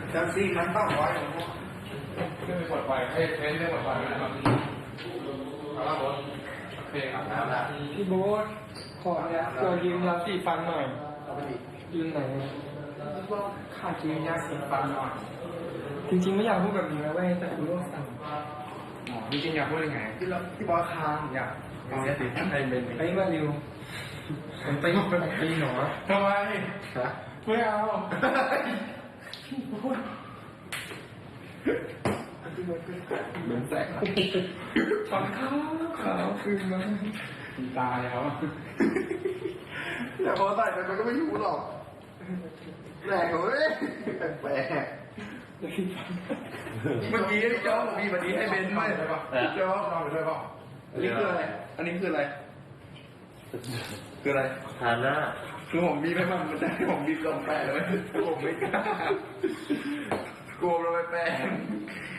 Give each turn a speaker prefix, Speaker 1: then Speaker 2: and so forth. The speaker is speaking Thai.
Speaker 1: จังซี่มันต้องไว้ของผม
Speaker 2: เรื่องปลอดภัยให้เรื่องปลอดภัยนะครับเอาละบอสโอเคอาบน้ำละ
Speaker 3: พี่โบ๊ทขอเนี่ยตัวยืมยาสีฟันหน่อย
Speaker 1: เอาไปดิ
Speaker 3: ยืมไหน
Speaker 1: ก็ขาดยืนยาสีฟันหน่อย
Speaker 3: จริงๆไม่อยากพูดแบบนี้นะเว้ยแต่คุณต้องสั่ง
Speaker 2: หมอจริงๆอยากพูดยังไง
Speaker 1: ที่บอสค้างอยากเอายาสีฟันให้เป็น
Speaker 3: ไอ้มาเร็วผมตีตีหนอ
Speaker 2: ทำไม
Speaker 1: ฮะ
Speaker 2: ไม่เอา
Speaker 1: เหมือนแสง
Speaker 3: ฟันขาวขาวคืนมา
Speaker 2: ตายแล้ว
Speaker 1: แต่พอใส่ไปมันก็ไม่รู้หรอกแปลกเว้ยแปลกเมื่อกี้พี่โจ๊กมีวันนี้ให้เบนด้วยพี่โจ๊ก
Speaker 2: นอนไปด้วยเปล่า
Speaker 1: อันนี้คืออะไร อันนี้คืออะไร คืออะไร
Speaker 4: ทานหน้า
Speaker 1: คือผมบีบให้มันจะให้ผมบีบลงแปะเลยผมไม่กล้ากลัวเราไปแปะ